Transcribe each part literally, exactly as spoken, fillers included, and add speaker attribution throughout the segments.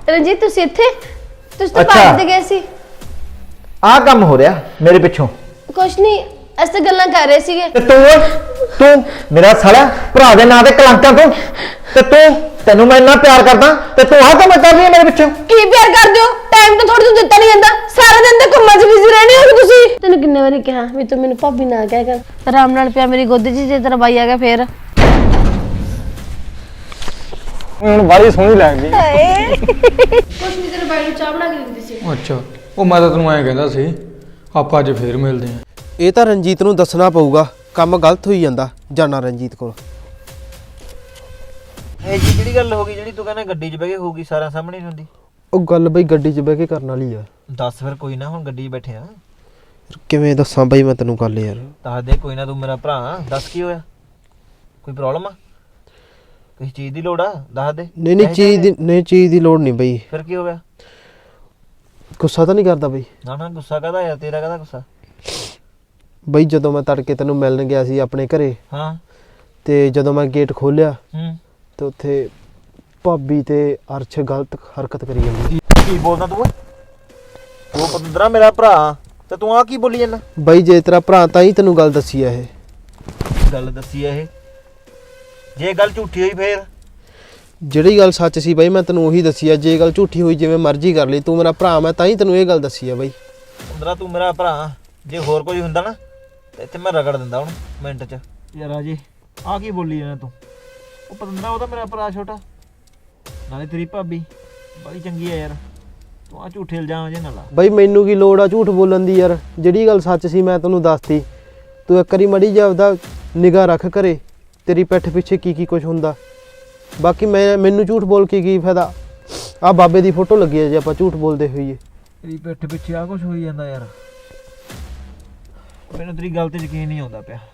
Speaker 1: रंजीत तुसी इत्थे तुसी तो
Speaker 2: अच्छा।
Speaker 1: पार्क ते गए सी
Speaker 2: आ काम हो रहा मेरे पिछों
Speaker 1: कुछ नहीं अस तो गल्लां कर रहे सीगे
Speaker 2: ते तू तू मेरा साला भरा दे नां ते कलंका तू ते तू तेनू मैं इन्ना प्यार करदा ते तू आ काम कर रही है मेरे पिछों
Speaker 1: की प्यार कर दियो टाइम तो थोड़ी तो दिता नहीं जांदा सारा दिन ते घुम्मा च बिजी रहने हो तुसी तैनू किन्ने बारी कहा भी तू मेनू भाभी ना कह कर आराम नाल पिया मेरी गोदी च जे तेरा बाई आ गया फिर
Speaker 3: ਹੁਣ ਬਾਰੀ ਸੋਹਣੀ ਲੱਗਦੀ
Speaker 1: ਕੁਛ ਨਹੀਂ ਤੇਰੇ ਬਾਈ ਨੂੰ ਚਾਹ ਬਣਾ ਕੇ ਦਿੰਦੀ ਸੀ
Speaker 3: ਅੱਛਾ ਉਹ ਮੈਂ ਤਾਂ ਤੈਨੂੰ ਐਂ ਕਹਿੰਦਾ ਸੀ ਆਪਾਂ ਅੱਜ ਫੇਰ ਮਿਲਦੇ ਆਂ
Speaker 4: ਇਹ ਤਾਂ ਰਣਜੀਤ ਨੂੰ ਦੱਸਣਾ ਪਊਗਾ ਕੰਮ ਗਲਤ ਹੋਈ ਜਾਂਦਾ ਜਾਣਾ ਰਣਜੀਤ ਕੋਲ
Speaker 5: ਇਹ ਜੀ ਕਿਹੜੀ ਗੱਲ ਹੋ ਗਈ ਜਿਹੜੀ ਤੂੰ ਕਹਿੰਦਾ ਗੱਡੀ 'ਚ ਬਹਿ ਕੇ ਹੋਊਗੀ ਸਾਰਿਆਂ ਸਾਹਮਣੇ ਨਹੀਂ ਹੁੰਦੀ
Speaker 4: ਉਹ ਗੱਲ ਬਈ ਗੱਡੀ 'ਚ ਬਹਿ ਕੇ ਕਰਨ ਵਾਲੀ ਆ
Speaker 5: ਦੱਸ ਫਿਰ ਕੋਈ ਨਾ ਹੁਣ ਗੱਡੀ 'ਚ ਬੈਠੇ ਆ
Speaker 4: ਕਿਵੇਂ ਦੱਸਾਂ ਬਈ ਮੈਂ ਤੈਨੂੰ ਗੱਲ ਯਾਰ
Speaker 5: ਦੱਸ ਦੇ ਕੋਈ ਨਾ ਤੂੰ ਮੇਰਾ ਭਰਾ ਦੱਸ ਕੀ ਹੋਇਆ ਕੋਈ ਪ੍ਰੋਬਲਮ ਆ ਕਿਸੇ ਚੀਜ਼ ਦੀ ਲੋੜ ਆ ਦੱਸ ਦੇ
Speaker 4: ਨਹੀਂ ਨਹੀਂ ਚੀਜ਼ ਦੀ ਨਹੀਂ ਚੀਜ਼ ਦੀ ਲੋੜ ਨਹੀਂ ਬਈ
Speaker 5: ਫਿਰ ਕੀ ਹੋ ਗਿਆ
Speaker 4: ਗੁੱਸਾ ਤਾਂ ਨਹੀਂ ਕਰਦਾ ਬਈ
Speaker 5: ਨਾ ਨਾ ਗੁੱਸਾ ਕਾਹਦਾ ਯਾਰ ਤੇਰਾ ਕਾਹਦਾ ਗੁੱਸਾ
Speaker 4: ਬਈ ਜਦੋਂ ਮੈਂ ਤੜਕੇ ਤੈਨੂੰ ਮਿਲਣ ਗਿਆ ਸੀ ਆਪਣੇ ਘਰੇ
Speaker 5: ਹਾਂ
Speaker 4: ਤੇ ਜਦੋਂ ਮੈਂ ਗੇਟ ਖੋਲਿਆ
Speaker 5: ਹੂੰ
Speaker 4: ਤੇ ਉੱਥੇ ਭਾਬੀ ਤੇ ਅਰਸ਼ ਗਲਤ ਹਰਕਤ ਕਰੀ ਜਾਂਦੀ
Speaker 5: ਕੀ ਬੋਲਦਾ ਤੂੰ ਉਹ ਪਤੰਦਰਾ ਮੇਰਾ ਭਰਾ ਤੇ ਤੂੰ ਆ ਕੀ ਬੋਲੀ ਜਾਂਦਾ
Speaker 4: ਬਈ ਜੇ ਤੇਰਾ ਭਰਾ ਤਾਂ ਹੀ ਤੈਨੂੰ ਗੱਲ ਦੱਸੀ ਆ ਇਹ
Speaker 5: ਗੱਲ ਦੱਸੀ ਆ ਇਹ ਜੇ ਗੱਲ ਝੂਠੀ ਹੋਈ ਫੇਰ
Speaker 4: ਜਿਹੜੀ ਗੱਲ ਸੱਚ ਸੀ ਬਈ ਮੈਂ ਤੈਨੂੰ ਉਹੀ ਦੱਸੀ ਆ ਜੇ ਗੱਲ ਝੂਠੀ ਹੋਈ ਜਿਵੇਂ ਮਰਜ਼ੀ ਕਰ ਲਈ ਤੂੰ ਮੇਰਾ ਭਰਾ ਮੈਂ ਤਾਂ ਹੀ ਤੈਨੂੰ ਇਹ ਗੱਲ ਦੱਸੀ ਆ ਬਈ
Speaker 5: ਪਤੰਦਰਾ ਤੂੰ ਮੇਰਾ ਭਰਾ ਜੇ ਹੋਰ ਕੋਈ ਹੁੰਦਾ ਨਾ ਤੇ ਇੱਥੇ ਮੈਂ ਰਗੜ ਦਿੰਦਾ ਹੁਣ ਮਿੰਟ 'ਚ ਯਾਰ ਰਾਜੇ ਆ ਕੀ ਬੋਲੀ ਜਾਂਦਾ ਤੂੰ ਉਹ ਪਤੰਦਰਾ ਉਹਦਾ ਮੇਰਾ ਭਰਾ ਛੋਟਾ ਨਾਲੇ ਤੇਰੀ ਭਾਬੀ ਬੜੀ ਚੰਗੀ ਆ ਯਾਰ ਤੂੰ ਆ ਝੂਠੇ ਇਲਜ਼ਾਮ ਜੇ ਨਾ ਲਾ
Speaker 4: ਬਈ ਮੈਨੂੰ ਕੀ ਲੋੜ ਆ ਝੂਠ ਬੋਲਣ ਦੀ ਯਾਰ ਜਿਹੜੀ ਗੱਲ ਸੱਚ ਸੀ ਮੈਂ ਤੈਨੂੰ ਦੱਸਤੀ ਤੂੰ ਇੱਕ ਵਾਰੀ ਮੜੀ ਜਾ ਆਪਦਾ ਨਿਗਾਹ ਰੱਖ ਘਰੇ ਤੇਰੀ ਪਿੱਠ ਪਿੱਛੇ ਕੀ ਕੀ ਕੁਝ ਹੁੰਦਾ ਬਾਕੀ ਮੈਂ ਮੈਨੂੰ ਝੂਠ ਬੋਲ ਕੇ ਕੀ ਫਾਇਦਾ ਆ ਬਾਬੇ ਦੀ ਫੋਟੋ ਲੱਗੀ ਹੈ ਜੇ ਆਪਾਂ ਝੂਠ ਬੋਲਦੇ ਹੋਈਏ
Speaker 5: ਤੇਰੀ ਪਿੱਠ ਪਿੱਛੇ ਆ ਕੁਝ ਹੋਈ ਜਾਂਦਾ ਯਾਰ ਮੈਨੂੰ ਤੇਰੀ ਗੱਲ ਤੇ ਯਕੀਨ ਨਹੀਂ ਆਉਂਦਾ ਪਿਆ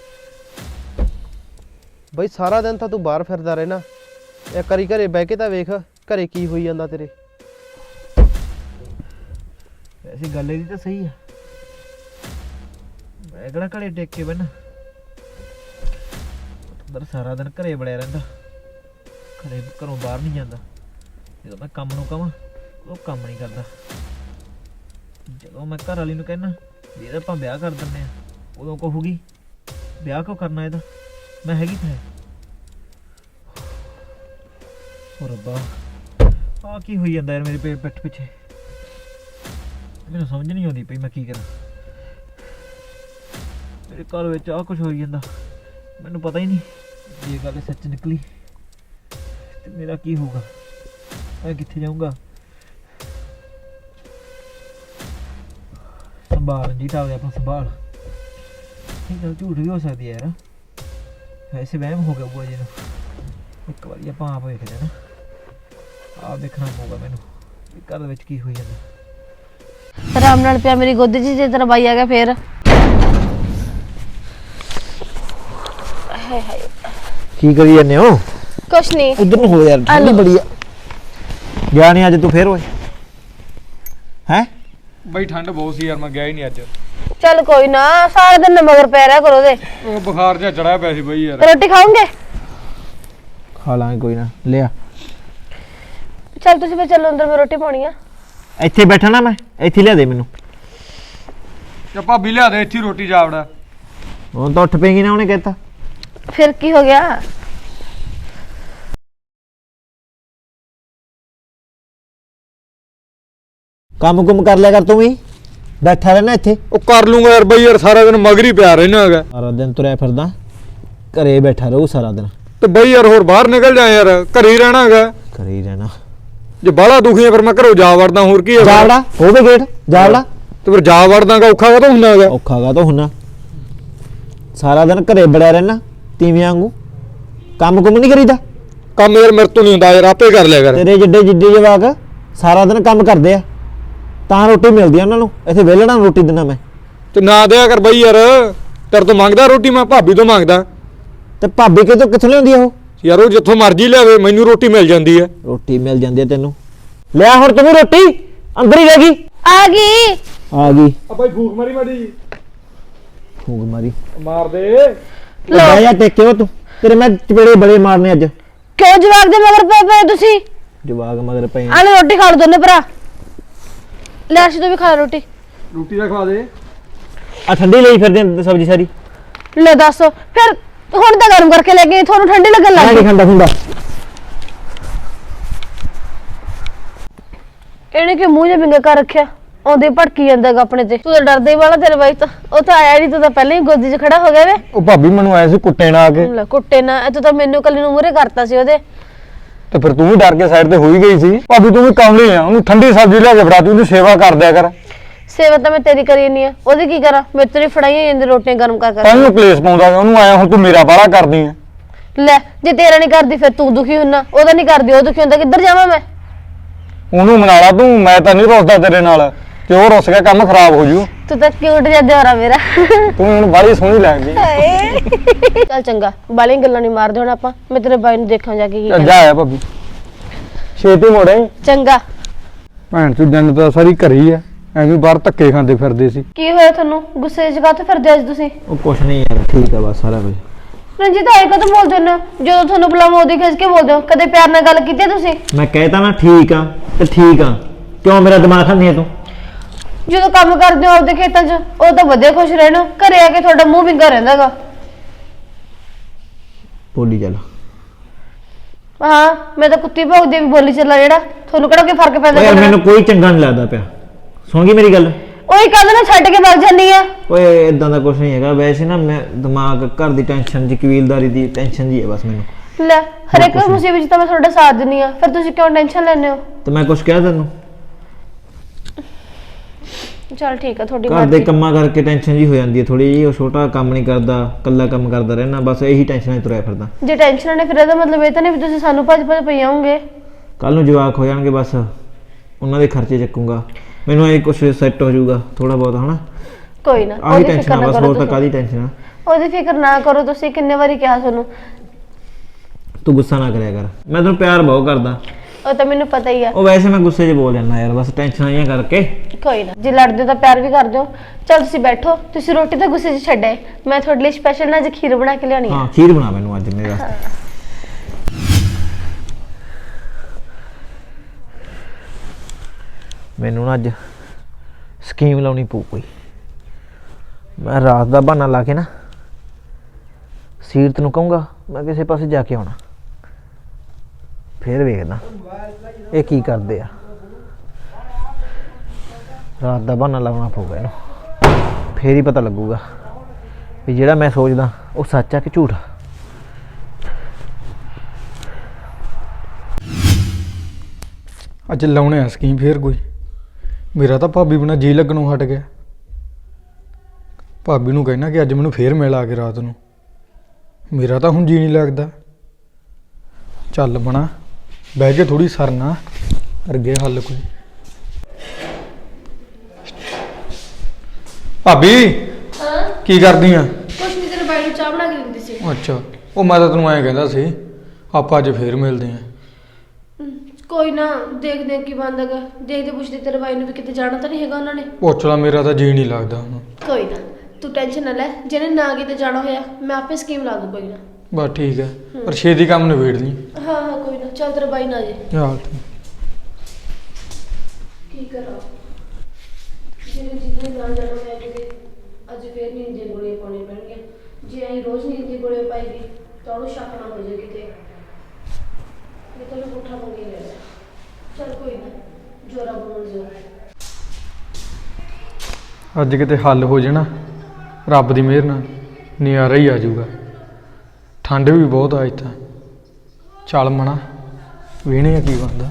Speaker 4: ਬਈ ਸਾਰਾ ਦਿਨ ਤਾਂ ਤੂੰ ਬਾਹਰ ਫਿਰਦਾ ਰਹਿਣਾ ਇੱਕ ਵਾਰੀ ਘਰੇ ਬਹਿ ਕੇ ਤਾਂ ਵੇਖ ਘਰੇ ਕੀ ਹੋਈ ਜਾਂਦਾ ਤੇਰੇ
Speaker 5: ਵੈਸੇ ਗੱਲ ਇਹਦੀ ਤਾਂ ਸਹੀ ਆ ਮੈਂ ਕਿਹੜਾ ਘਰੇ ਟੇਕ ਕੇ ਬੈਠਾ ਅੰਦਰ ਸਾਰਾ ਦਿਨ ਘਰੇ ਬੜਿਆ ਰਹਿੰਦਾ ਘਰੇ ਘਰੋਂ ਬਾਹਰ ਨਹੀਂ ਜਾਂਦਾ ਜਦੋਂ ਮੈਂ ਕੰਮ ਨੂੰ ਕਹਾਂ ਉਹ ਕੰਮ ਨਹੀਂ ਕਰਦਾ ਜਦੋਂ ਮੈਂ ਘਰ ਵਾਲੀ ਨੂੰ ਕਹਿਣਾ ਵੀ ਇਹਦਾ ਆਪਾਂ ਵਿਆਹ ਕਰ ਦਿੰਦੇ ਆ ਉਦੋਂ ਕਹੂਗੀ ਵਿਆਹ ਕਿਉਂ ਕਰਨਾ ਇਹਦਾ ਮੈਂ ਹੈਗੀ ਤਾਂ ਹੈ ਓ ਰੱਬਾ ਆ ਕੀ ਹੋਈ ਜਾਂਦਾ ਯਾਰ ਮੇਰੇ ਪੇ ਪਿੱਠ ਪਿੱਛੇ ਮੈਨੂੰ ਸਮਝ ਨਹੀਂ ਆਉਂਦੀ ਪਈ ਮੈਂ ਕੀ ਕਰਾਂ ਮੇਰੇ ਘਰ ਵਿੱਚ ਆ ਕੁਝ ਹੋਈ ਜਾਂਦਾ ਮੈਨੂੰ ਪਤਾ ਹੀ ਨਹੀਂ ਜੇ ਇਹ ਗੱਲ ਸੱਚ ਨਿਕਲੀ ਤੇ ਮੇਰਾ ਕੀ ਹੋਊਗਾ ਮੈਂ ਕਿੱਥੇ ਜਾਊਂਗਾ ਸੰਭਾਲ ਜੀ ਤਾਂ ਆਪਾਂ ਸੰਭਾਲ ਇਹ ਗੱਲ ਝੂਠ ਵੀ ਹੋ ਸਕਦੀ ਹੈ ਯਾਰ ਵੈਸੇ ਵਹਿਮ ਹੋ ਗਿਆ ਬੂਆ ਜੀ ਨੂੰ ਇੱਕ ਵਾਰੀ ਆਪਾਂ ਆਪ ਵੇਖ ਲੈਣਾ ਆਪ ਦੇਖਣਾ ਪਊਗਾ ਮੈਨੂੰ ਵੀ ਘਰ ਵਿੱਚ ਕੀ ਹੋਈ ਜਾਂਦਾ
Speaker 1: ਆਰਾਮ ਨਾਲ ਪਿਆ ਮੇਰੀ ਗੋਦੀ 'ਚ ਜੇ ਤੇਰਾ ਬਾਈ ਆ ਗਿਆ ਫਿਰ ਹਾਏ ਹਾਏ
Speaker 2: की करी जाने हो
Speaker 1: ਕੁਛ ਨਹੀਂ
Speaker 2: उधर हो यार ठंडी बड़ी है गया नहीं आज तू फिर होए हैं
Speaker 3: ਬਈ ਠੰਡ ਬਹੁਤ ਸੀ ਯਾਰ ਮੈਂ ਗਿਆ ਹੀ ਨਹੀਂ ਅੱਜ
Speaker 1: ਚੱਲ ਕੋਈ ਨਾ ਸਾਰਾ ਦਿਨ ਮਗਰ ਪੈ ਰਿਹਾ ਕਰੋ ਦੇ
Speaker 3: ਉਹ ਬੁਖਾਰ ਜਿਹਾ ਚੜਿਆ ਪਿਆ ਸੀ ਬਈ ਯਾਰ
Speaker 1: ਰੋਟੀ ਖਾਓਗੇ
Speaker 2: खा लांगे कोई ना ले आ
Speaker 1: ਚੱਲ ਤੁਸੀਂ ਫਿਰ ਚੱਲੋ ਅੰਦਰ ਮੈਂ ਰੋਟੀ ਪਾਉਣੀ ਆ
Speaker 2: ਇੱਥੇ ਬੈਠਾ ਨਾ ਮੈਂ ਇੱਥੇ ਲਿਆ ਦੇ ਮੈਨੂੰ
Speaker 3: ਤੇ ਭਾਬੀ ਲਿਆ ਦੇ ਇੱਥੇ ਰੋਟੀ ਜਾਵੜਾ
Speaker 2: ਹੁਣ ਤਾਂ ਉੱਠ ਪਏਗੀ ਨਾ ਉਹਨੇ ਕਹਿਤਾ
Speaker 1: ਫਿਰ ਕੀ ਹੋ ਗਿਆ
Speaker 2: ਕੰਮ ਕੁਮ ਕਰ ਲਿਆ ਕਰ ਤੂੰ ਵੀ ਬੈਠਾ ਰਹਿਣਾ ਇੱਥੇ
Speaker 3: ਉਹ ਕਰ ਲੂੰਗਾ ਯਾਰ ਬਈ ਯਾਰ ਸਾਰਾ ਦਿਨ ਮਗਰ ਹੀ ਪਿਆ ਰਹਿਣਾ ਹੈਗਾ
Speaker 2: ਸਾਰਾ ਦਿਨ ਤੁਰਿਆ ਫਿਰਦਾ ਘਰੇ ਬੈਠਾ ਰਹੂ ਸਾਰਾ ਦਿਨ
Speaker 3: ਤੇ ਬਈ ਯਾਰ ਹੋਰ ਬਾਹਰ ਨਿਕਲ ਜਾ ਯਾਰ ਘਰੇ ਹੀ ਰਹਿਣਾ ਹੈਗਾ
Speaker 2: ਘਰੇ ਹੀ ਰਹਿਣਾ
Speaker 3: ਜੇ ਬਾਹਲਾ ਦੁਖੀ ਆ ਫਿਰ ਮੈਂ ਘਰੋਂ ਜਾ ਵੜਦਾ ਹੋਰ ਕੀ ਹੈ
Speaker 2: ਜਾਵੜਾ ਹੋਵੇ ਗੇਟ ਜਾਵੜਾ
Speaker 3: ਤੇ ਫਿਰ ਜਾ ਵੜਦਾਗਾ ਔਖਾ ਕਾ ਤਾਂ ਹੁੰਦਾ ਹੈਗਾ
Speaker 2: ਔਖਾ ਗਾ ਤਾਂ ਹੁੰਨਾ ਸਾਰਾ ਦਿਨ ਘਰੇ ਬੜਿਆ ਰਹਿਣਾ ਤੀਵੀਂ ਵਾਂਗੂ ਕੰਮ ਕੁਮ ਨਹੀਂ ਕਰੀਦਾ
Speaker 3: ਕੰਮ ਯਾਰ ਮੇਰੇ ਤੋਂ ਨਹੀਂ ਹੁੰਦਾ ਯਾਰ ਆਪੇ ਕਰ ਲਿਆ ਕਰ
Speaker 2: ਤੇਰੇ ਜਿੱਡੇ ਜਿੱਡੇ ਜਵਾਕ ਸਾਰਾ ਦਿਨ ਕੰਮ ਕਰਦੇ ਆ ਤਾਂ ਰੋਟੀ ਮਿਲਦੀ ਆ ਉਹਨਾਂ ਨੂੰ ਇੱਥੇ ਵਿਹਲਣਾ ਰੋਟੀ ਦਿੰਦਾ ਮੈਂ
Speaker 3: ਤੇ ਨਾ ਦਿਆ ਕਰ ਬਈ ਯਾਰ ਤੇਰੇ ਤੋਂ ਮੰਗਦਾ ਰੋਟੀ ਮੈਂ ਭਾਬੀ ਤੋਂ ਮੰਗਦਾ
Speaker 2: ਤੇ ਭਾਬੀ ਕਿਤੋਂ ਕਿੱਥੋਂ ਲਿਆਉਂਦੀ ਆ ਉਹ
Speaker 3: ਯਾਰ ਉਹ ਜਿੱਥੋਂ ਮਰਜ਼ੀ ਲਿਆਵੇ ਮੈਨੂੰ ਰੋਟੀ ਮਿਲ ਜਾਂਦੀ ਹੈ
Speaker 2: ਰੋਟੀ ਮਿਲ ਜਾਂਦੀ ਆ ਤੈਨੂੰ ਲਿਆ ਹੁਣ ਤੂੰ ਵੀ ਰੋਟੀ ਅੰਦਰ ਹੀ ਰਹਿ ਗਈ
Speaker 1: ਆ ਗਈ
Speaker 2: ਆ ਗਈ
Speaker 3: ਆ ਬਾਈ ਫੂਕ ਮਾਰੀ ਮਾੜੀ
Speaker 2: ਫੂਕ ਮਾਰੀ
Speaker 3: ਮਾਰ ਦੇ
Speaker 2: ਲੈ ਜਾ ਟੇਕੇ ਉਹ ਤੂੰ ਤੇਰੇ ਮੈਂ ਚਪੇੜੇ ਬੜੇ ਮਾਰਨੇ ਅੱਜ
Speaker 1: ਕਿਉਂ ਜਵਾਕ ਦੇ ਮਗਰ ਪਏ ਪਏ ਤੁਸੀਂ
Speaker 5: ਜਵਾਗ ਮਗਰ ਪਏ
Speaker 1: ਆਲੇ ਰੋਟੀ ਖਾ ਲਓ ਦੋਨੇ ਭਰਾ। ਲੈ ਅਰਸ਼ ਤੂੰ ਵੀ ਖਾ ਲੈ ਰੋਟੀ।
Speaker 3: ਰੋਟੀ ਦਾ ਖਵਾ ਦੇ।
Speaker 5: ਆ ਠੰਡੀ ਲਈ ਫਿਰਦੇ ਆਂ ਸਬਜ਼ੀ ਸਾਰੀ।
Speaker 1: ਲੈ ਦੱਸ ਫਿਰ ਹੁਣ ਤਾਂ ਗਰਮ ਕਰਕੇ ਲੈ ਗਏ, ਤੁਹਾਨੂੰ ਠੰਡੀ ਲੱਗਣ ਲੱਗ
Speaker 5: ਮੈਂ
Speaker 1: ਗਈ।
Speaker 5: ਨਹੀਂ ਖਾਂਦਾ ਹੁੰਦਾ।
Speaker 1: ਇਹਨੇ ਕਿ ਮੂੰਹ ਜਿਹਾ ਵਿੰਗਾ ਕਰ ਰੱਖਿਆ, ਆਉਂਦੇ ਭੜਕੀ ਜਾਂਦਾਗਾ ਆਪਣੇ ਤੇ। ਤੂੰ ਤਾਂ ਡਰਦਾ ਹੀ ਵਾਲਾ, ਤੇਰੇ ਬਾਈ ਤਾਂ ਉਹ ਤਾਂ ਆਇਆ ਨਹੀਂ, ਤੂੰ ਤਾਂ ਪਹਿਲਾਂ ਹੀ ਗੋਦੀ 'ਚ ਖੜਾ ਹੋ ਗਿਆ ਵੇ।
Speaker 3: ਉਹ ਭਾਬੀ ਮੈਨੂੰ ਆਇਆ ਸੀ ਕੁੱਟੇ ਨਾ ਆ ਕੇ,
Speaker 1: ਲੈ ਕੁੱਟੇ ਨਾ, ਇਹ ਤੂੰ ਤਾਂ ਮੈਨੂੰ ਕੱਲੀ ਨੂੰ ਮੂਹਰੇ ਕਰਤਾ ਸੀ ਉਹਦੇ।
Speaker 3: ਤੇ ਫਿਰ ਤੂੰ ਵੀ ਡਰ ਕੇ ਸਾਈਡ ਤੇ ਹੋ ਹੀ ਗਈ ਸੀ। ਭਾਬੀ ਤੂੰ ਵੀ ਕਮਲੀ ਆ, ਉਹਨੂੰ ਠੰਡੀ ਸਬਜ਼ੀ ਲਿਆ ਕੇ ਫੜਾ, ਤੂੰ ਉਹਦੀ ਸੇਵਾ ਕਰ ਦਿਆ ਕਰ।
Speaker 1: ਸੇਵਾ ਤਾਂ ਮੈਂ ਤੇਰੀ ਕਰੀ ਨਹੀਂ ਆ, ਉਹਦੀ ਕੀ ਕਰਾਂ? ਮੇਰੇ ਤੋਂ ਨਹੀਂ ਫੜਾਈਆਂ ਜਾਂਦੀ ਰੋਟੀਆਂ ਗਰਮ ਕਰ ਕਰ।
Speaker 3: ਤੈਨੂੰ ਕਲੇਸ਼ ਪਾਉਂਦਾ ਉਹਨੂੰ ਆਇਆ, ਹੁਣ ਤੂੰ ਮੇਰਾ ਬਾਹਲਾ ਕਰਦੀ ਆ।
Speaker 1: ਲੈ ਜੇ ਤੇਰਾ ਨਹੀਂ ਕਰਦੀ ਫਿਰ ਤੂੰ ਦੁਖੀ ਹੁੰਨਾ, ਉਹਦਾ ਨਹੀਂ ਕਰਦੀ ਉਹ ਦੁਖੀ ਹੁੰਦਾ, ਕਿੱਧਰ ਜਾਵਾਂ ਮੈਂ?
Speaker 3: ਉਹਨੂੰ ਮਨਾ ਲਾ ਤੂੰ, ਮੈਂ ਤਾਂ ਨਹੀਂ ਰੁੱਸਦਾ ਤੇਰੇ ਨਾਲ, ਤੇ ਉਹ ਰੁੱਸ ਗਿਆ ਕੰਮ ਖਰਾਬ ਹੋ ਜੂ।
Speaker 1: ਤੂੰ ਤਾਂ ਕਿਊਟ ਜਿਹਾ ਦਿਓਰਾ ਮੇਰਾ।
Speaker 3: ਤੂੰ ਹੁਣ ਬਾਹਲੀ ਸੋਹਣੀ ਲੱਗਦੀ।
Speaker 1: ਚੱਲ ਚੰਗਾ, ਬਾਲੀਆਂ ਗੱਲਾਂ ਨਹੀਂ ਮਾਰਦੇ ਹੁਣ ਆਪਾਂ, ਮੈਂ ਤੇਰੇ ਬਾਈ ਨੂੰ ਦੇਖਾਂ ਜਾ ਕੇ ਕੀ
Speaker 3: ਚੱਲ
Speaker 1: ਕਹਿੰਦਾ।
Speaker 3: ਜਾ ਆ ਭਾਬੀ, ਛੇਤੀ ਮੋੜੇ।
Speaker 1: ਚੰਗਾ।
Speaker 3: ਭੈਣ ਚੋਂ ਦਿਨ ਤਾਂ ਸਾਰੀ ਘਰੇ ਹੀ ਆ, ਐਵੇਂ ਬਾਹਰ ਧੱਕੇ ਖਾਂਦੇ ਫਿਰਦੇ ਸੀ।
Speaker 1: ਕੀ ਹੋਇਆ ਤੁਹਾਨੂੰ? ਗੁੱਸੇ 'ਚ ਕਾਹਤੋਂ ਫਿਰਦੇ ਅੱਜ ਤੁਸੀਂ?
Speaker 5: ਉਹ ਕੁਛ ਨਹੀਂ ਯਾਰ, ਠੀਕ ਆ ਬਸ ਸਾਰਾ ਕੁਝ।
Speaker 1: ਰਣਜੀਤ ਆਏ ਕਦੋਂ ਬੋਲਦੇ ਹੁੰਦੇ ਹੋ? ਜਦੋਂ ਤੁਹਾਨੂੰ ਬੁਲਾਵਾਂ ਉਹਦੀ ਖਿੱਚ ਕੇ ਬੋਲਦੇ ਹੋ, ਕਦੇ ਪਿਆਰ ਨਾਲ ਗੱਲ ਕੀਤੀ ਹੈ ਤੁਸੀਂ?
Speaker 5: ਮੈਂ ਕਹਿਤਾ ਨਾ ਠੀਕ ਆ ਤੇ ਠੀਕ ਆ, ਕਿਉਂ ਮੇਰਾ ਦਿਮਾਗ ਖਾਂਦੀ ਆ ਤੂੰ?
Speaker 1: ਜਦੋਂ ਕੰਮ ਕਰਦੇ ਹੋ ਆਪਦੇ ਖੇਤਾਂ 'ਚ ਉਹ ਤਾਂ ਵਧੀਆ ਖੁਸ਼ ਰਹਿਣਾ, ਘਰੇ ਆ ਕੇ ਤੁਹਾਡਾ ਮੂੰਹ ਵਿੰਗਾ ਰਹਿੰਦਾਗਾ।
Speaker 5: ਬੋਲੀ ਚੱਲ।
Speaker 1: ਹਾਂ ਮੈਂ ਤਾਂ ਕੁੱਤੀ ਭੌਂਕਦੀ ਵੀ ਬੋਲੀ ਚੱਲਾ, ਜਿਹੜਾ ਤੁਹਾਨੂੰ ਕਿਹੜਾ ਕੋਈ ਫਰਕ ਪੈਂਦਾ?
Speaker 5: ਓਏ ਯਾਰ ਮੈਨੂੰ ਕੋਈ ਚੰਗਾ ਨਹੀਂ ਲੱਗਦਾ ਪਿਆ, ਸੁਣ ਗਈ ਮੇਰੀ ਗੱਲ?
Speaker 1: ਉਹੀ ਕਹਿੰਦਾ ਨਾ ਛੱਡ ਕੇ ਵਗ ਜਾਂਦੀ ਆ।
Speaker 5: ਓਏ ਇਦਾਂ ਦਾ ਕੁਝ ਨਹੀਂ ਹੈਗਾ, ਵੈਸੇ ਨਾ ਮੈਂ ਦਿਮਾਗ ਘਰ ਦੀ ਟੈਨਸ਼ਨ ਜੀ, ਕਬੀਲਦਾਰੀ ਦੀ ਟੈਨਸ਼ਨ ਜੀ ਹੈ ਬਸ ਮੈਨੂੰ।
Speaker 1: ਲੈ ਹਰੇਕ ਮੁਸੀਬਤ 'ਚ ਤਾਂ ਮੈਂ ਤੁਹਾਡਾ ਸਾਥ ਦਿੰਦੀ ਆ, ਫਿਰ ਤੁਸੀਂ ਕਿਉਂ ਟੈਨਸ਼ਨ ਲੈਂਦੇ ਹੋ?
Speaker 5: ਤੇ ਮੈਂ ਕੁਝ ਕਿਹਾ ਤੈਨੂੰ?
Speaker 1: ਚਲ ਠੀਕ ਆ, ਤੁਹਾਡੀ
Speaker 5: ਘਰ ਦੇ
Speaker 1: ਮਰਜ਼ੀ।
Speaker 5: ਕੰਮਾਂ ਕਰਕੇ ਟੈਨਸ਼ਨ ਜੀ ਹੋ ਜਾਂਦੀ ਹੈ ਥੋੜੀ ਜੀ, ਉਹ ਛੋਟਾ ਕੰਮ ਨਹੀਂ ਕਰਦਾ, ਕੱਲਾ ਕੰਮ ਕਰਦਾ ਰਹਿਣਾ, ਬਸ ਇਹੀ ਟੈਨਸ਼ਨ 'ਚ ਤੁਰਿਆ ਫਿਰਦਾ।
Speaker 1: ਜੇ ਟੈਨਸ਼ਨ ਨੇ ਫਿਰ ਇਹਦਾ ਮਤਲਬ ਇਹ ਤਾਂ ਨਹੀਂ ਵੀ ਤੁਸੀਂ ਸਾਨੂੰ ਭੱਜ ਭੱਜ ਪਈ ਆਉਂਗੇ।
Speaker 5: ਕੱਲ ਨੂੰ ਜਵਾਕ ਹੋ ਜਾਣਗੇ, ਬਸ ਉਹਨਾਂ ਦੇ ਖਰਚੇ ਚੱਕੂਗਾ, ਮੈਨੂੰ ਇਹ ਕੁਝ ਸੈੱਟ ਹੋ ਜਾਊਗਾ ਥੋੜਾ ਬਹੁਤ, ਹਨਾ?
Speaker 1: ਕੋਈ ਨਾ,
Speaker 5: ਆਹੀ
Speaker 1: ਉਹਦੀ
Speaker 5: ਟੈਨਸ਼ਨ
Speaker 1: ਫਿਕਰ
Speaker 5: ਆ
Speaker 1: ਨਾ
Speaker 5: ਬਸ,
Speaker 1: ਕਰੋ
Speaker 5: ਹੋਰ ਤਾਂ
Speaker 1: ਤੁਸੀਂ।
Speaker 5: ਕਾਹਦੀ ਟੈਨਸ਼ਨ ਆ?
Speaker 1: ਉਹਦੀ ਫਿਕਰ ਨਾ ਕਰੋ ਤੁਸੀਂ, ਕਿੰਨੇ ਵਾਰੀ ਕਿਹਾ ਤੁਹਾਨੂੰ।
Speaker 5: ਤੂੰ ਗੁੱਸਾ ਨਾ ਕਰਿਆ ਕਰ, ਮੈਂ ਤੈਨੂੰ ਪਿਆਰ ਬਹੁਤ ਕਰਦਾ।
Speaker 1: ਉਹ ਤਾਂ ਮੈਨੂੰ ਪਤਾ ਹੀ ਆ।
Speaker 5: ਉਹ ਵੈਸੇ ਮੈਂ ਗੁੱਸੇ 'ਚ ਬੋਲ ਜਾਂਦਾ ਯਾਰ, ਬਸ ਟੈਨਸ਼ਨਾਂ ਜਿਹੀਆਂ ਕਰਕੇ।
Speaker 1: ਕੋਈ ਨਾ, ਜੇ ਲੜਦੇ ਹੋ ਤਾਂ ਪਿਆਰ ਵੀ ਕਰਦੇ ਹੋ। ਚਲ ਤੁਸੀਂ ਬੈਠੋ, ਤੁਸੀਂ ਰੋਟੀ ਤਾਂ ਗੁੱਸੇ 'ਚ ਛੱਡੇ, ਮੈਂ ਤੁਹਾਡੇ ਲਈ ਸਪੈਸ਼ਲ ਨਾ ਅੱਜ ਖੀਰ ਬਣਾ ਕੇ ਲਿਆਉਣੀ ਆ।
Speaker 5: ਹਾਂ ਖੀਰ ਬਣਾ ਮੈਨੂੰ ਅੱਜ ਮੇਰੇ ਵਾਸਤੇ। ਮੈਨੂੰ ਨਾ ਅੱਜ ਸਕੀਮ ਲਾਉਣੀ ਪਊ ਕੋਈ। ਮੈਂ ਰਾਤ ਦਾ ਬਹਾਨਾ ਲਾ ਕੇ ਨਾ ਸੀਰਤ ਨੂੰ ਕਹੂੰਗਾ ਮੈਂ ਕਿਸੇ ਪਾਸੇ ਜਾ ਕੇ ਆਉਣਾ, ਫੇਰ ਵੇਖਦਾ ਇਹ ਕੀ ਕਰਦੇ ਆ। ਰਾਤ ਦਾ ਬਹਾਨਾ ਲਾਉਣਾ ਪਊਗਾ ਇਹਨੂੰ, ਫੇਰ ਹੀ ਪਤਾ ਲੱਗੂਗਾ ਵੀ ਜਿਹੜਾ ਮੈਂ ਸੋਚਦਾ ਉਹ ਸੱਚ ਆ ਕਿ ਝੂਠ।
Speaker 3: ਅੱਜ ਲਾਉਣੇ ਆ ਸਕੀਮ ਫੇਰ ਕੋਈ। ਮੇਰਾ ਤਾਂ ਭਾਬੀ ਬਿਨਾਂ ਜੀ ਲੱਗਣੋਂ ਹਟ ਗਿਆ। ਭਾਬੀ ਨੂੰ ਕਹਿਣਾ ਕਿ ਅੱਜ ਮੈਨੂੰ ਫੇਰ ਮਿਲ ਆ ਕੇ ਰਾਤ ਨੂੰ, ਮੇਰਾ ਤਾਂ ਹੁਣ ਜੀ ਨਹੀਂ ਲੱਗਦਾ। ਚੱਲ ਬਣਾ ਬਹਿ ਕੇ ਥੋੜੀ ਸਰਨਾ ਅਰਗੇ ਹੱਲ ਕੋਈ। ਭਾਬੀ
Speaker 1: ਹਾਂ
Speaker 3: ਕੀ ਕਰਦੀ ਆ?
Speaker 1: ਕੁਛ ਨਹੀਂ, ਤੇਰੇ ਬਾਈ ਨੂੰ ਚਾਹ ਬਣਾ ਕੇ ਦਿੰਦੀ ਸੀ।
Speaker 3: ਅੱਛਾ, ਉਹ ਮੈਂ ਤਾਂ ਤੈਨੂੰ ਐਂ ਕਹਿੰਦਾ ਸੀ ਆਪਾਂ ਅੱਜ ਫੇਰ ਮਿਲਦੇ ਆਂ।
Speaker 1: ਕੋਈ ਨਾ, ਦੇਖਦੇ ਆ ਕੀ ਬਣਦਾਗਾ, ਦੇਖਦੇ ਪੁੱਛਦੇ ਤੇਰੇ ਬਾਈ ਨੂੰ ਵੀ ਕਿਤੇ ਜਾਣਾ ਤਾਂ ਨਹੀਂ ਹੈਗਾ ਉਹਨਾਂ ਨੇ।
Speaker 3: ਪੁੱਛ ਲਾ, ਮੇਰਾ ਤਾਂ ਜੀ ਨਹੀਂ ਲੱਗਦਾ ਹੁਣ।
Speaker 1: ਕੋਈ ਨਾ ਤੂੰ ਟੈਨਸ਼ਨ ਨਾ ਲੈ, ਜਿਹਨੇ ਨਾ ਕਿਤੇ ਜਾਣਾ ਹੋਇਆ ਮੈਂ ਆਪੇ ਸਕੀਮ ਲਾ ਦੂੰ, ਕੋਈ ਨਾ।
Speaker 3: ਬਸ ਠੀਕ ਹੈ, ਪਰ ਛੇਤੀ ਕੰਮ ਨਿਬੇੜ ਲਈ।
Speaker 1: ਹਾਂ ਹਾਂ ਕੋਈ ਨਾ, ਚੱਲ ਤੇਰਾ ਬਾਈ ਨਾ ਜੇ।
Speaker 3: ਚੱਲ
Speaker 1: ਕੀ ਕਰਾਂ, ਜਿਹਨੇ ਜਿਹਨੇ ਨਾ ਜਾਣਾ ਹੋਇਆ ਕਿਤੇ, ਅੱਜ ਫੇਰ ਨੀਂਦ ਦੀਆਂ ਗੋਲੀਆਂ ਪਾਉਣੀਆਂ ਪੈਣਗੀਆਂ। ਜੇ ਅਸੀਂ ਰੋਜ਼ ਨੀਂਦ ਦੀ ਗੋਲੀਆਂ ਪਾਈਦੀ ਤਾਂ ਉਹਨੂੰ ਸ਼ੱਕ ਨਾ ਹੋ ਜਾਏ ਕਿਤੇ, ਇਹ ਤਾਂ ਮੈਂ ਪੁੱਠਾ ਪੰਗੇ ਲੈ ਲਿਆ। ਚੱਲ ਕੋਈ ਨਾ, ਜੋਰਾ ਬਣਨ ਜੋ।
Speaker 3: ਅੱਜ ਕਿਤੇ ਹੱਲ ਹੋ ਜਾਣਾ ਰੱਬ ਦੀ ਮਿਹਰ ਨਾਲ, ਨਜ਼ਾਰਾ ਹੀ ਆ ਜਾਊਗਾ। ਠੰਡ ਵੀ ਬਹੁਤ ਆ ਇੱਥੇ। ਚੱਲ ਮਣਾ ਵੇਹਣੇ ਆ ਕੀ ਬਣਦਾ।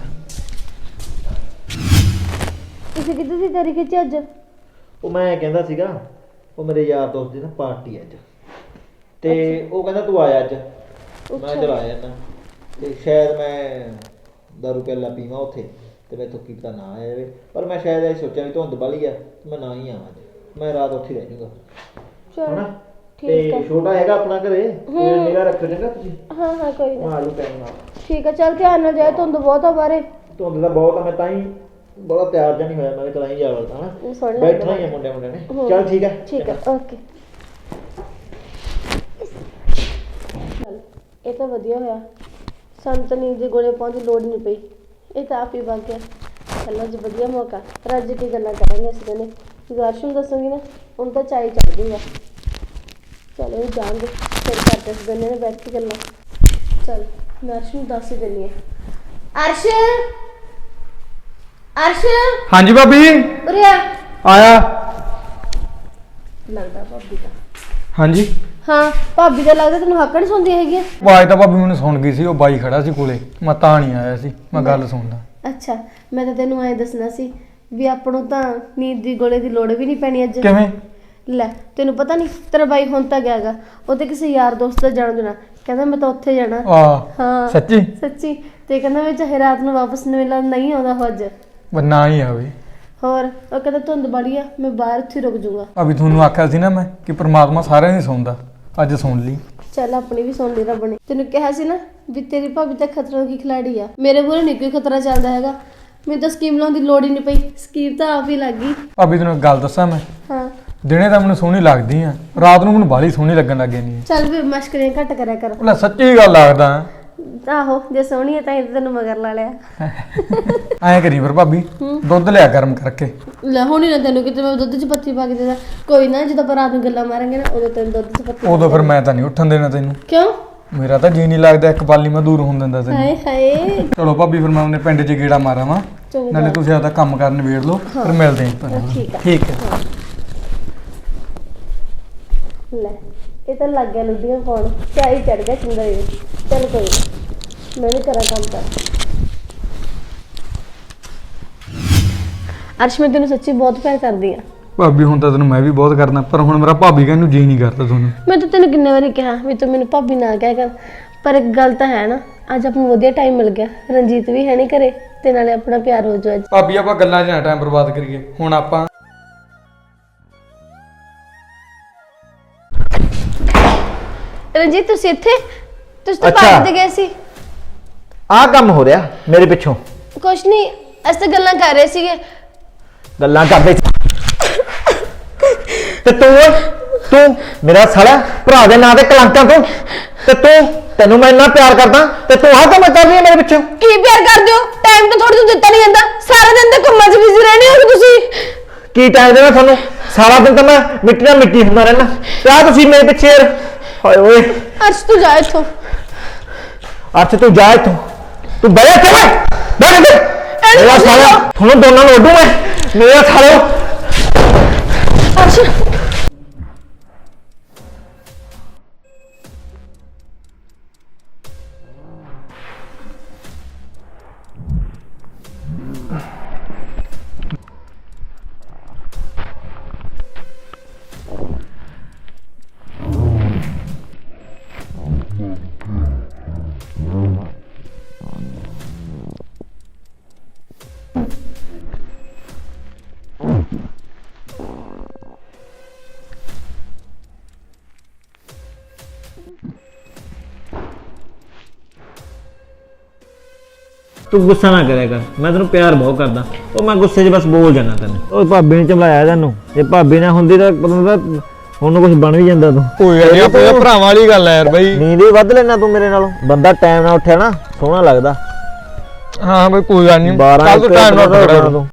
Speaker 1: ਤੁਸੀਂ ਕਿੱਥੇ ਦੀ ਤਿਆਰੀ ਖਿੱਚੀ ਅੱਜ?
Speaker 5: ਉਹ ਮੈਂ ਕਹਿੰਦਾ ਸੀਗਾ, ਉਹ ਮੇਰੇ ਯਾਰ ਦੋਸਤ ਦੀ ਨਾ ਪਾਰਟੀ ਅੱਜ, ਤੇ ਉਹ ਕਹਿੰਦਾ ਤੂੰ ਆਇਆ ਅੱਜ। ਮੈਂ ਚਲ ਆਇਆ ਨਾ, ਤੇ ਸ਼ਾਇਦ ਮੈਂ ਦਾਰੂ ਪਿਆਲਾ ਪੀਵਾਂ ਉੱਥੇ, ਤੇ ਮੈਂ ਕੀ ਪਤਾ ਨਾ ਆਇਆ ਜਾਵੇ, ਪਰ ਮੈਂ ਸ਼ਾਇਦ ਇਹ ਸੋਚਿਆ ਵੀ ਧੁੰਦ ਵਾਲੀ ਆ, ਮੈਂ ਨਾ ਹੀ ਆਵਾਂ ਅੱਜ, ਮੈਂ ਰਾਤ ਉੱਥੇ ਰਹਿ ਜਾਊਗਾ।
Speaker 1: ਚਲ ਠੀਕ
Speaker 5: ਤੇ
Speaker 1: ਹੈ।
Speaker 5: ਛੋਟਾ ਹੈਗਾ ਆਪਣਾ ਘਰੇ, ਕੋਈ ਨਿਗਾਹ ਰੱਖੋ ਚੰਗਾ ਤੁਸੀਂ।
Speaker 1: ਹਾਂ ਹਾਂ ਕੋਈ ਨਾ,
Speaker 5: ਮਾਰੂ ਟਾਈਮ ਨਾਲ।
Speaker 1: ਠੀਕ ਹੈ। ਚੱਲ ਧਿਆਨ ਨਾਲ ਜਾਏ, ਧੁੰਦ ਬਹੁਤ ਆ ਬਾਰੇ।
Speaker 5: ਧੁੰਦ ਦਾ ਬਹੁਤ ਆ, ਮੈਂ ਤਾਂ ਹੀ ਬੜਾ ਤਿਆਰ ਜਿਹਾ ਨਹੀਂ ਹੋਇਆ, ਮੈਂ ਕਿਹਾ ਚਲ ਹੀ ਜਾ ਵੜਦਾ
Speaker 1: ਉਹ
Speaker 5: ਹਨਾ,
Speaker 1: ਸੁਣ ਲੈ
Speaker 5: ਬੈਠਣਾ ਹੀ ਆ ਮੁੰਡੇ ਮੁੰਡੇ ਨੇ। ਚੱਲ ਠੀਕ ਹੈ
Speaker 1: ਠੀਕ ਹੈ, ਓਕੇ। ਚੱਲ ਇਹ ਤਾਂ ਵਧੀਆ ਹੋਇਆ, ਸਾਨੂੰ ਤਾਂ ਨੀਂਦ ਦੀ ਗੋਲੀਆਂ ਪਾਉਣ ਦੀ ਲੋੜ ਨਹੀਂ ਪਈ, ਇਹ ਤਾਂ ਆਪ ਹੀ ਵਗ ਗਿਆ। ਚੱਲ ਅੱਜ ਵਧੀਆ ਮੌਕਾ, ਪਰ ਅੱਜ ਕੀ ਗੱਲਾਂ ਕਰਾਂਗੇ ਅਸੀਂ ਦੋਨੇ। ਗੁਰਸ਼ ਨੂੰ ਦੱਸੂਗੀ ਨਾ, ਹੁਣ ਤਾਂ ਚਾਈ ਚੜ ਜੂਗਾ। ਚਲੋ ਇਹ ਜਾਣਗੇ, ਫਿਰ ਕਰਦੇ ਅਸੀਂ ਦੋਨੇ ਨੇ ਬੈਠ ਕੇ ਗੱਲਾਂ। ਚੱਲ ਮੈਂ ਅਰਸ਼ ਨੂੰ ਦੱਸ ਹੀ ਦਿੰਦੀ ਹਾਂ। ਅਰਸ਼, ਅਰਸ਼
Speaker 3: ਹਾਂਜੀ ਭਾਬੀ
Speaker 1: ਉਰੇ ਆ।
Speaker 3: ਆਇਆ।
Speaker 1: ਲੱਗਦਾ ਭਾਬੀ ਦਾ।
Speaker 3: ਹਾਂਜੀ
Speaker 1: ਹਾਂ ਭਾਬੀ ਦਾ ਲੱਗਦਾ ਤੈਨੂੰ ਹੱਕੜ ਸੁਣਦੀ ਹੈਗੀ ਆ।
Speaker 3: ਆਵਾਜ਼ ਤਾਂ ਭਾਬੀ ਮੈਨੂੰ ਸੁਣ ਗਈ ਸੀ, ਉਹ ਬਾਈ ਖੜਾ ਸੀ ਕੋਲੇ, ਮੈਂ ਤਾਂ ਨਹੀਂ ਆਇਆ ਸੀ, ਮੈਂ ਗੱਲ ਸੁਣਦਾ।
Speaker 1: ਅੱਛਾ, ਮੈਂ ਤਾਂ ਤੈਨੂੰ ਐਂ ਦੱਸਣਾ ਸੀ ਵੀ ਆਪਾਂ ਨੂੰ ਤਾਂ ਨੀਂਦ ਦੀ ਗੋਲੇ ਦੀ ਲੋੜ ਵੀ ਨਹੀਂ ਪੈਣੀ ਅੱਜ।
Speaker 3: ਕਿਵੇਂ?
Speaker 1: ਲੈ ਤੈਨੂੰ ਪਤਾ ਨਹੀਂ, ਤੇਰਾ ਬਾਈ ਹੁਣ ਤਾਂ ਗਿਆਗਾ, ਉਹ ਤੇ ਕਿਸੇ ਯਾਰ ਦੋਸਤ ਦਾ ਜਾਣ ਦੇਣਾ, ਕਹਿੰਦਾ ਮੈਂ ਤਾਂ ਉੱਥੇ ਜਾਣਾ।
Speaker 3: ਆ
Speaker 1: ਹਾਂ
Speaker 3: ਸੱਚੀ?
Speaker 1: ਸੱਚੀ। ਤੇ ਕਹਿੰਦਾ ਮੈਂ ਚਾਹੇ ਰਾਤ ਨੂੰ ਵਾਪਸ ਮਿਲਣ ਨਹੀਂ ਆਉਂਦਾ ਉਹ ਅੱਜ।
Speaker 3: ਬਸ ਨਾ ਹੀ ਆਵੇ।
Speaker 1: ਹੋਰ ਉਹ ਕਹਿੰਦਾ ਧੁੰਦ ਬੜੀ ਆ, ਮੈਂ ਬਾਹਰ ਉੱਥੇ ਰੁਕ ਜਾਊਗਾ।
Speaker 3: ਭਾਬੀ ਤੁਹਾਨੂੰ ਆਖਿਆ ਸੀ ਨਾ ਮੈਂ ਕਿ ਪ੍ਰਮਾਤਮਾ ਸਾਰਿਆਂ ਦੀ ਸੁਣਦਾ, ਅੱਜ ਸੁਣ ਲਈ।
Speaker 1: ਚੱਲ ਆਪਣੀ ਵੀ ਸੁਣ ਲਈ ਰੱਬ ਨੇ। ਤੈਨੂੰ ਕਿਹਾ ਸੀ ਨਾ ਵੀ ਤੇਰੀ ਭਾਬੀ ਤਾਂ ਖਤਰਾ ਦੀ ਖਿਲਾੜੀ ਆ, ਮੇਰੇ ਮੂਹਰੇ ਨਹੀਂ ਕੋਈ ਖਤਰਾ ਚੱਲਦਾ ਹੈਗਾ। ਮੈਨੂੰ ਤਾਂ ਸਕੀਮ ਲਾਉਣ ਦੀ ਲੋੜ ਹੀ ਨਹੀਂ ਪਈ, ਸਕੀਮ ਤਾਂ ਆਪ ਹੀ ਲੱਗ ਗਈ।
Speaker 3: ਭਾਬੀ ਤੈਨੂੰ ਇੱਕ ਗੱਲ ਦੱਸਾਂ ਮੈਂ,
Speaker 1: ਹਾਂ
Speaker 3: ਦਿਨੇ ਤਾਂ ਮੈਨੂੰ ਸੋਹਣੀ ਲੱਗਦੀ ਆ, ਰਾਤ ਨੂੰ ਮੈਨੂੰ ਬਾਹਲੀ ਸੋਹਣੀ ਲੱਗਣ ਲੱਗ ਜਾਂਦੀ
Speaker 1: ਚੱਲ ਵੀ ਮਸ਼ਕਰੀਆਂ ਘੱਟ ਕਰਿਆ ਕਰ।
Speaker 3: ਆ। ਲੈ ਸੱਚੀ ਗੱਲ ਲੱਗਦਾ।
Speaker 1: ਆਹੋ ਜੇ ਸੋਹਣੀ ਹੈ ਤਾਂ ਇਹ ਤੈਨੂੰ ਮਗਰ ਲਾ ਲਿਆ।
Speaker 3: ਐਂ ਕਰੀ ਫਿਰ ਭਾਬੀ, ਦੁੱਧ ਲਿਆ ਗਰਮ ਕਰਕੇ।
Speaker 1: ਲੈ ਹੋਣੀ ਨਾ ਤੈਨੂੰ ਕਿਤੇ ਮੈਂ ਦੁੱਧ 'ਚ ਪੱਤੀ ਪਾ ਕੇ ਦੇਦਾ। ਕੋਈ ਨਾ ਜਦੋਂ ਆਪਾਂ ਰਾਤ ਨੂੰ ਗੱਲਾਂ ਮਾਰਾਂਗੇ ਨਾ, ਉਦੋਂ ਤੈਨੂੰ ਦੁੱਧ 'ਚ ਪੱਤੀ।
Speaker 3: ਉਦੋਂ ਫਿਰ ਮੈਂ ਤਾਂ ਨਹੀਂ ਉੱਠਣ ਦੇਣਾ ਤੈਨੂੰ।
Speaker 1: ਕਿਉਂ?
Speaker 3: ਮੇਰਾ ਤਾਂ ਜੀ ਨਹੀਂ ਲੱਗਦਾ, ਇੱਕ ਪਾਲੀ ਮੈਂ ਦੂਰ ਹੋਣ ਦਿੰਦਾ ਤੈਨੂੰ।
Speaker 1: ਹਾਏ ਹਾਏ।
Speaker 3: ਚਲੋ ਭਾਬੀ ਫਿਰ ਮੈਂ ਉਹਨੇ ਪਿੰਡ 'ਚ ਗੇੜਾ ਮਾਰਾਂ ਵਾ,
Speaker 1: ਚੰਗਾ।
Speaker 3: ਨਾਲੇ ਤੁਸੀਂ ਆਪਦਾ ਕੰਮ ਕਰਨ ਵੇੜ ਲਓ, ਫਿਰ ਮਿਲਦੇ ਆਂ।
Speaker 1: ਠੀਕ ਆ।
Speaker 3: ਠੀਕ ਹੈ।
Speaker 1: ਲੈ ਇਹ ਤਾਂ ਲੱਗ ਗਿਆ ਲੁੱਡੀਆਂ ਪਾਉਣ, ਚਾਈ ਚੜ ਗਿਆ ਚੰਗਾ ਇਹ। ਚੱਲ ਕੋਈ ਨਾ, ਮੈਂ ਵੀ ਕਰਾਂ ਕੰਮ ਕਰ। ਅਰਸ਼ ਮੈਂ ਤੈਨੂੰ ਸੱਚੀ ਬਹੁਤ ਪਿਆਰ ਕਰਦੀ ਆ।
Speaker 3: ਭਾਬੀ ਹੁਣ ਤਾਂ ਤੈਨੂੰ ਮੈਂ ਵੀ ਬਹੁਤ ਕਰਦਾ, ਪਰ ਹੁਣ ਮੇਰਾ ਭਾਬੀ ਕਹਿਣ ਨੂੰ ਜੀ ਨਹੀਂ ਕਰਦਾ ਤੁਹਾਨੂੰ।
Speaker 1: ਮੈਂ ਤਾਂ ਤੈਨੂੰ ਕਿੰਨੇ ਵਾਰੀ ਕਿਹਾ ਵੀ ਤੂੰ ਮੈਨੂੰ ਭਾਬੀ ਨਾ ਕਹਿ ਕਰ, ਪਰ ਇੱਕ ਗੱਲ ਤਾਂ ਹੈ ਨਾ, ਅੱਜ ਆਪਾਂ ਨੂੰ ਵਧੀਆ ਟਾਈਮ ਮਿਲ ਗਿਆ। ਰਣਜੀਤ ਵੀ ਹੈ ਨਹੀਂ ਘਰੇ, ਤੇ ਨਾਲੇ ਆਪਣਾ ਪਿਆਰ ਹੋ ਜਾਊ ਅੱਜ।
Speaker 3: ਭਾਬੀ ਆਪਾਂ ਗੱਲਾਂ 'ਚ ਨਾ ਟਾਈਮ ਬਰਬਾਦ ਕਰੀਏ, ਹੁਣ ਆਪਾਂ
Speaker 1: ਰਣਜੀਤ ਤੁਸੀਂ ਇੱਥੇ? ਤੁਸੀਂ ਤਾਂ
Speaker 2: ਅੱਛਾ।
Speaker 1: ਪਾਰਕ ਤੇ ਗਏ ਸੀ।
Speaker 2: ਆਹ ਕੰਮ ਹੋ ਰਿਹਾ ਮੇਰੇ ਪਿੱਛੋਂ।
Speaker 1: ਕੁਛ ਨਹੀਂ, ਅਸੀਂ ਤਾਂ ਗੱਲਾਂ ਕਰ ਰਹੇ ਸੀਗੇ।
Speaker 2: ਗੱਲਾਂ ਕਰਦੇ ਤੇ ਤੂੰ ਤੂੰ ਮੇਰਾ ਸਾਲਾ ਭਰਾ ਦੇ ਨਾਂ ਤੇ ਕਲੰਕਾਂ ਤੂੰ, ਤੇ ਤੂੰ ਤੈਨੂੰ ਮੈਂ ਇੰਨਾ ਪਿਆਰ ਕਰਦਾ ਤੇ ਤੂੰ ਆਹ ਕੰਮ ਕਰ ਰਹੀ ਹੈ ਮੇਰੇ ਪਿੱਛੋਂ।
Speaker 1: ਕੀ ਪਿਆਰ ਕਰਦੇ ਹੋ? ਟਾਈਮ ਤਾਂ ਥੋੜੀ ਜਿਹੀ ਦਿੱਤਾ ਨਹੀਂ ਜਾਂਦਾ, ਸਾਰਾ ਦਿਨ ਤੇ ਘੁੰਮਣ 'ਚ ਬਿਜ਼ੀ ਰਹਿੰਦੇ ਹੋ ਤੁਸੀਂ।
Speaker 2: ਕੀ ਟਾਈਮ ਦੇਣਾ ਤੁਹਾਨੂੰ? ਸਾਰਾ ਦਿਨ ਤਾਂ ਮੈਂ ਮਿੱਟੀ ਨਾਲ ਮਿੱਟੀ ਹੁੰਦਾ ਰਹਿਣਾ, ਤੇ ਆਹ ਤੁਸੀਂ ਮੇਰੇ ਪਿੱਛੇ ਯਾਰ। ਹਾਏ ਓਏ
Speaker 1: ਅਰਸ਼ ਤੂੰ ਜਾ ਇੱਥੋਂ।
Speaker 2: ਅੱਛ ਤੂੰ ਜਾ ਇੱਥੋਂ, ਤੂੰ ਬਹਿ ਇੱਥੇ ਓਏ, ਬਹਿ ਇੱਥੇ। ਮੇਰਾ ਸਾਲਾ ਤੁਹਾਨੂੰ ਦੋਨਾਂ ਨੂੰ ਉੱਡੂ ਮੈਂ, ਮੇਰਾ ਸਾਲਿਓ।
Speaker 1: ਅਰਸ਼
Speaker 2: ਤੂੰ ਗੁੱਸਾ ਨਾ ਕਰਿਆ ਕਰ, ਮੈਂ ਤੈਨੂੰ ਪਿਆਰ ਬਹੁਤ ਕਰਦਾ। ਉਹ ਮੈਂ ਗੁੱਸੇ 'ਚ ਬਸ ਬੋਲ ਜਾਣਾ ਤੈਨੂੰ। ਉਹ ਭਾਬੀ ਨੇ ਚਮਲਾਇਆ ਤੈਨੂੰ, ਜੇ ਭਾਬੀ ਨਾ ਹੁੰਦੀ ਤਾਂ ਪਤਾ ਤਾਂ ਉਹਨੂੰ ਕੁਝ ਬਣ ਵੀ ਜਾਂਦਾ ਤੂੰ।
Speaker 3: ਕੋਈ ਗੱਲ ਨਹੀਂ, ਆਪਣੇ ਭਰਾਵਾਂ ਵਾਲੀ ਗੱਲ ਹੈ ਯਾਰ ਬਾਈ।
Speaker 2: ਨੀਂਦ ਵੀ ਵੱਧ ਲੈਣਾ ਤੂੰ ਮੇਰੇ ਨਾਲੋਂ। ਬੰਦਾ ਟਾਈਮ ਨਾਲ ਉੱਠਿਆ ਨਾ ਸੋਹਣਾ ਲੱਗਦਾ।
Speaker 3: ਹਾਂ ਬਈ ਕੋਈ ਗੱਲ ਨਹੀਂ,
Speaker 2: ਬਾਰਾਂ
Speaker 3: ਕੱਲ ਤੋਂ ਟਾਈਮ ਨਾਲ
Speaker 2: ਉੱਠਣਾ
Speaker 3: ਪਕੜਾ
Speaker 2: ਤੂੰ।